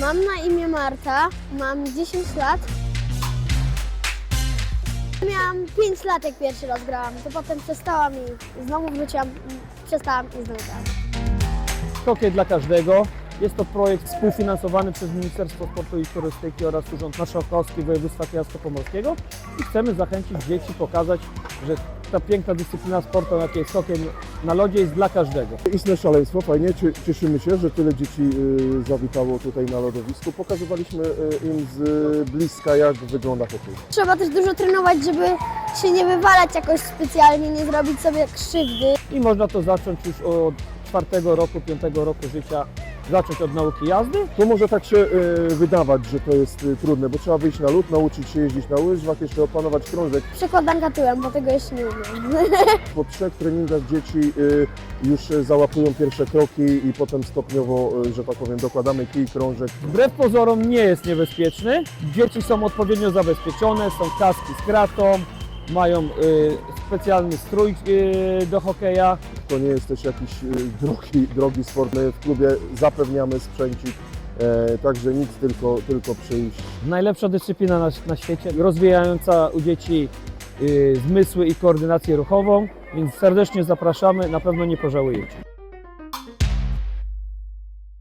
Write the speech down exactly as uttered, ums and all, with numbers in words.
Mam na imię Marta, mam dziesięć lat. Miałam pięć lat, jak pierwszy raz grałam, to potem przestałam i znowu wróciłam, przestałam i znowu grałam. Hockey dla każdego. Jest to projekt współfinansowany przez Ministerstwo Sportu i Turystyki oraz Urząd Marszałkowski Województwa Kujawsko-Pomorskiego i chcemy zachęcić dzieci, pokazać, że ta piękna dyscyplina sportu, jakie jest hokej na lodzie, jest dla każdego. Istne szaleństwo, fajnie, cieszymy się, że tyle dzieci y, zawitało tutaj na lodowisku. Pokazywaliśmy y, im z bliska, jak wygląda hokej. Trzeba też dużo trenować, żeby się nie wywalać jakoś specjalnie, nie zrobić sobie krzywdy. I można to zacząć już od czwartego roku, piątego roku życia, zacząć od nauki jazdy. To może tak się y, wydawać, że to jest y, trudne, bo trzeba wyjść na lód, nauczyć się jeździć na łyżwach, jeszcze opanować krążek. Przekładanka tyłem, bo tego jeszcze nie umiem. Po trzech treningach dzieci y, już załapują pierwsze kroki i potem stopniowo, y, że tak powiem, dokładamy kij, krążek. Wbrew pozorom nie jest niebezpieczny. Dzieci są odpowiednio zabezpieczone, są kaski z kratą, mają y, specjalny strój y, do hokeja. To nie jest też jakiś y, drogi, drogi sport. My w klubie zapewniamy sprzęcik, e, także nic, tylko, tylko przyjść. Najlepsza dyscyplina na, na świecie, rozwijająca u dzieci y, zmysły i koordynację ruchową, więc serdecznie zapraszamy, na pewno nie pożałujecie.